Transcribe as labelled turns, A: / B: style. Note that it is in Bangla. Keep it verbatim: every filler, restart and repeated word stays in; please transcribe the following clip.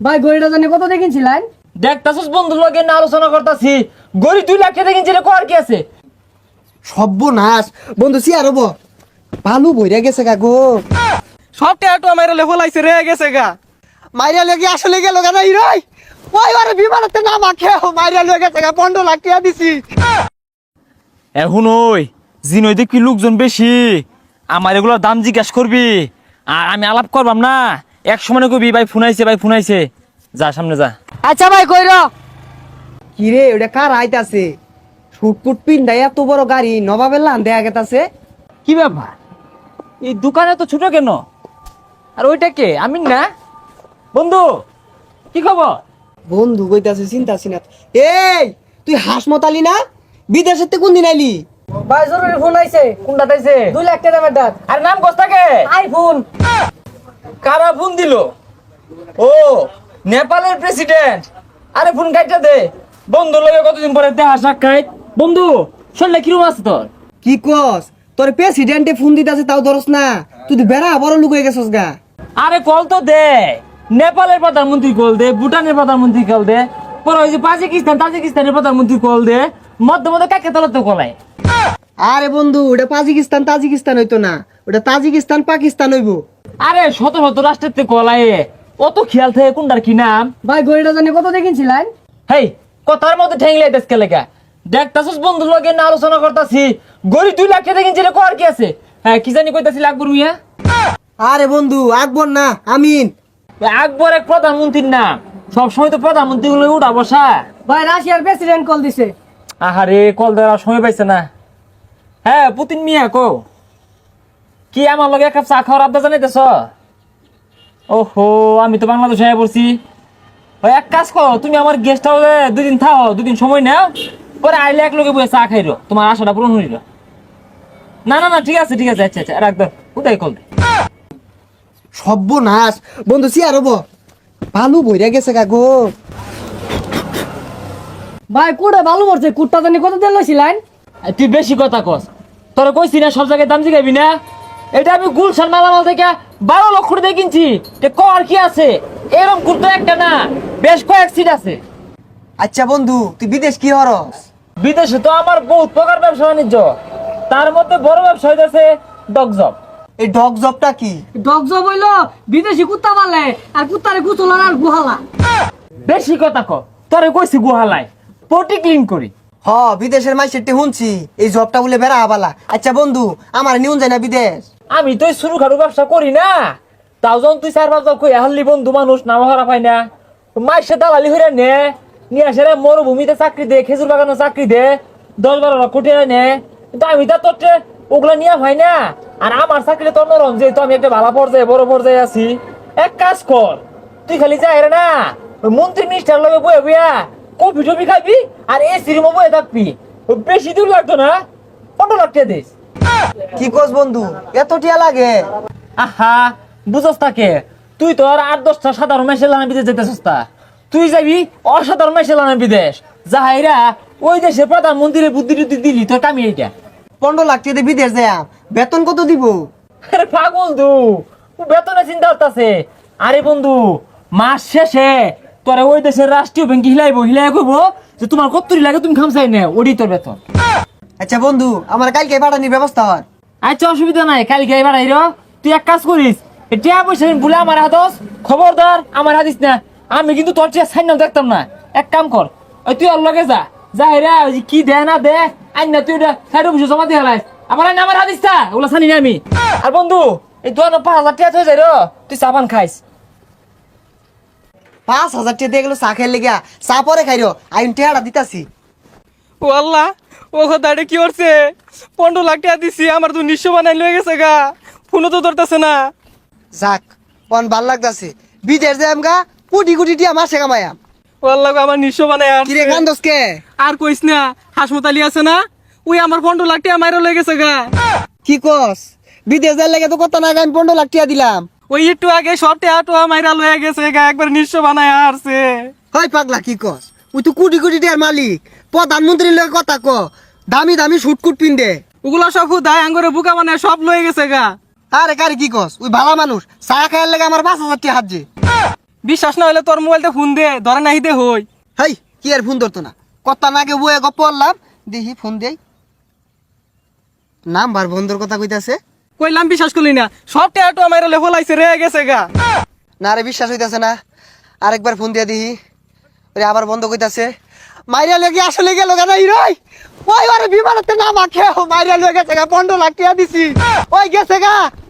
A: ভাই গড়িটা জানি কত দেখিনছিলেন?
B: দেখতাছিস বন্ধুর লগে না আলোচনা করতাছি, গড়ি দুই লাখ টাকা দেখিনছিলে কর কি আছে?
C: সর্বনাশ বন্ধু সিয়ার হবো ভালো বইরা গেছে গা গো।
D: সব টেটো মাইরা লে ফলাইছে রে গেছে গা।
C: মাইরা লেগে আসলে গেল গা নাই রই ওই আরে বিমানতে না মাখে মাইরা লেগে গেছে গা পনেরো লাখ টাকা দিছি।
B: এখন ওই জিনই দেখি লোকজন বেশি, আমার এগুলোর দাম জিজ্ঞাস করবি আর আমি আলাপ করবাম না। এক সময় কবি ভাই ফোনাইছে ভাই ফোনাইছে, যা সামনে যা।
A: আচ্ছা ভাই কইর।
C: কি রে ওটা কার আইতাছে? শুটকুট পিন্ডা এত বড় গাড়ি নবাবের লান দেয়া গেতাছে।
B: কি ব্যাপার, এই দোকানে তো ছোট কেন? আর ওইটা কে? আমি না বন্ধু, কি খবর?
C: বন্ধু কইতাছে চিন্তা সিনা। এই তুই হাসমতালি না? বিদেশের তে কোন দিন আইলি?
A: ভাই জরুরি ফোন আইছে।
B: কোনটা তাইছে?
A: দুই লাখ টাকা দামের দাঁত।
B: আর নাম কস্তাকে?
A: আইফোন।
B: কারা ফোন দিল? ও নেপালের প্রেসিডেন্ট। আরে ফোন কাইটা দে, বন্ধু লগে কতদিন পরে দেখা সাক্ষাৎ। বন্ধু শরীরে কিরম আছে তোর?
C: কি কস তোর প্রেসিডেন্টে ফোন দিতাছে তাও ধরস না? তুই তো বেড়া বড় লুক হয়ে গেছস গা।
B: আরে কল তো দে, নেপালের প্রধানমন্ত্রী কল দে, ভুটানের প্রধানমন্ত্রী কল দে, পরে ওই যে পাকিস্তান তাজিকিস্তানের প্রধানমন্ত্রী কল দে, মধ্যে মধ্যে কাকে তলাতে কলায়।
C: আরে বন্ধু ওটা পাজিকিস্তান তাজিকিস্তান হইতো না, ওটা তাজিকিস্তান পাকিস্তান হইবো।
B: আরে শত শত রাষ্ট্রের তে কলায়, অত খেয়াল থাকে কোনটার কি নাম।
A: ভাই গড়িটা জানি কত দেখিনছিলেন?
B: হেই কথার মধ্যে ঠেংলে দেশকে লেখা দেখতাছিস বন্ধুর লগে না আলোচনা করতাছি, গড়ি দুই লাখ টাকা কিনছিলে কর কি আছে? হ্যাঁ কি জানি কইতাছিল আকবর মিয়া।
C: আরে বন্ধু আকবর না আমিন।
B: আকবর এক প্রধানমন্ত্রীর নাম, সবসময় তো প্রধানমন্ত্রী গুলো উঠা বসা।
A: ভাই রাশিয়ার প্রেসিডেন্ট কল দিছে।
B: আহারে কল দেওয়ার সময় পাইছে না। হ্যাঁ পুতিন মিয়া কো, কি আমার লগে এক কাপ চা খাওয়ার আবদা জানাইতেছ? ওহো আমি তো বাংলাদেশে আয়া পড়ছি। ওই এক কাজ করো, তুমি আমার গেস্ট হাউসে দুদিন থাও, দুদিন সময় নাও, পরে আইলে এক লগে বসে চা খাইরো, তোমার আশাটা পূরণ হইল। না না না ঠিক আছে ঠিক আছে, আচ্ছা আচ্ছা রাখ দাও, উদয় কল দে।
C: সর্বনাশ বন্ধু সিয়ার হবো ভালো বইরা গেছে গা গো।
A: ভাই কুড়ে ভালো করছে। কুটটা জানি কত দেন লইছিলেন?
B: আর তুই বেশি কথা কস, তোরা কইছি না সব জায়গায় দাম জিগাবি না। এটা আমি গুলশান মালামাল থেকে বারো লক্ষ দিয়ে কিনছি, কর কি আছে? এরকম কুর্তো একটা না, বেশ কয়েক সিট আছে।
C: আচ্ছা বন্ধু তুই বিদেশ কি হরস?
B: বিদেশে তো আমার বহুত প্রকার ব্যবসা বাণিজ্য, তার মধ্যে বড় ব্যবসা হইতেছে ডগজব।
C: এই ডগ জবটা কি?
A: ডগ জব হইলো বিদেশি কুত্তা পালে আর কুত্তারে গুছলার আর গুহালা।
B: বেশি কথা ক, তোরে কইছি গুহালায় পটি ক্লিন করি।
C: হ বিদেশের মাইসের টে শুনছি এই জবটা বলে বেড়া আবালা। আচ্ছা বন্ধু আমার নিউন যায় না বিদেশ?
B: আমি তো শুরু খাটু ব্যবসা করি না, তাও যখন তুই চার পাঁচ কই হাল্লি বন্ধু মানুষ নাম হারা পাই না, মাইসে দালালি হইরা নে নিয়ে আসে রে মরুভূমিতে চাকরি দে, খেজুর বাগানে চাকরি দে, দশ বারো লাখ কোটি নে। কিন্তু আমি তো তোর ওগুলা নিয়ে হয় না। আর আমার চাকরি তোর নরম, যেহেতু আমি একটা ভালো পর্যায়ে বড় পর্যায়ে আছি। এক কাজ কর, তুই খালি যাই না ওই মন্ত্রী মিনিস্টার লগে বয়ে বইয়া কফি টফি খাবি আর এসি রুমে বয়ে থাকবি, বেশি দূর লাগতো না, পনেরো লাখ টাকা দিস।
C: কি কস বন্ধু এত টিয়া লাগে?
B: আহা বুঝস তাকে, তুই তো আর আট দশটা সাধারণ মেশে লানা বিদেশ যেতে সস্তা, তুই যাবি অসাধারণ মেশে লানা বিদেশ, যাহাইরা ওই দেশের প্রধানমন্ত্রীর বুদ্ধি টুদ্ধি দিলি তোর কামি এইটা।
C: পনেরো লাখ টাকা দিয়ে বিদেশ যায় বেতন কত দিব?
B: আরে পাগল তু, বেতনে চিন্তা করতেছে। আরে বন্ধু মাস শেষে তোরা ওই দেশের রাষ্ট্রীয় ব্যাংকে হিলাইবো, হিলাই কইবো যে তোমার কত্তরি লাগে তুমি খামসাই নে, ওডি তোর বেতন।
C: আচ্ছা বন্ধু আমার কালকে পাঠানির ব্যবস্থা হয়?
B: আচ্ছা অসুবিধা নাই, কালকে এবার আইরো। তুই এক কাজ করিস, টিয়া পয়সা বলে আমার হাতস, খবরদার আমার হাতিস না, আমি কিন্তু তোর চেয়ে সাইন দেখতাম না। এক কাম কর, ওই তুই ওর লগে যা, যা হেরা কি দে না দে আইন না, তুই ওটা সাইডে বসে জমা দিয়ে হালাইস, আমার আইন আমার হাতিস না, ওগুলো জানি না আমি। আর বন্ধু এই দোকানে পাঁচ হাজার টাকা হয়ে যায় রো, তুই সাবান খাইস।
C: পাঁচ হাজার টাকা দিয়ে গেলো চা খাই লেগা, চা পরে খাইরো আইন টেহাটা দিতাছি।
D: ও আল্লাহ, ও কথাটা কি করছে? পনেরো লাখ টাকা দিছি, আমার তো নিঃস্ব বানাই লয়ে গেছে গা, ফোনও তো ধরতেছে না।
C: যাক পন ভাল লাগতাছে, বিদেশ যাই আমগা কোটি কোটি টিয়া মাসে কামায়াম।
D: ও আল্লাহ আমার নিঃস্ব বানাই আর
C: কিরে কান্দস কে?
D: আর কইস না, হাসমতালি আছে না, ওই আমার পনেরো লাখ টাকা মাইরা লয়ে গেছে গা।
C: কি কস? বিদেশ যাই লাগে তো কত না আমি পনেরো লাখ টাকা দিলাম।
D: ওই একটু আগে সব টাকা টোয়া মাইরা লয়ে গেছে গা, একবার নিঃস্ব বানাই আসছে।
C: হয় পাগলা কি কস? ওই তো কোটি কোটি টিয়ার মালিক, প্রধানমন্ত্রীর লগে কথা ক, দামি দামি শুটকুট পিন্দে।
D: ওগুলো সব হুদায় আঙ্গরে বুকা মানে সব লয়ে গেছে গা।
C: আরে কারে কি কস? ওই ভালো মানুষ চা খাইয়ার লেগে আমার পাঁচ হাজার টাকা হাত যে।
D: বিশ্বাস না হলে তোর মোবাইলতে ফোন দে ধরে নাহি দে হই
C: হেই কি আর ফোন ধরতো না কথা নাগে বয়ে গপ পড়লাম দেখি ফোন দেই নাম্বার বন্ধুর কথা কইতাছে
D: কইলাম বিশ্বাস করলি না সব টেয়াটো আমার লেফলাইছে রে গেছে গা
C: না রে বিশ্বাস হইতাছে না আরেকবার ফোন দিয়া দিহি ওরে আবার বন্ধ কইতাছে মাইরা লেগে আসলে গেল কেন হিরোই ওই আরে বিমানতে নাম আখে মাইরা লয়ে গেছে গা পনেরো লাখ টাকা দিছি ওই গেছে গা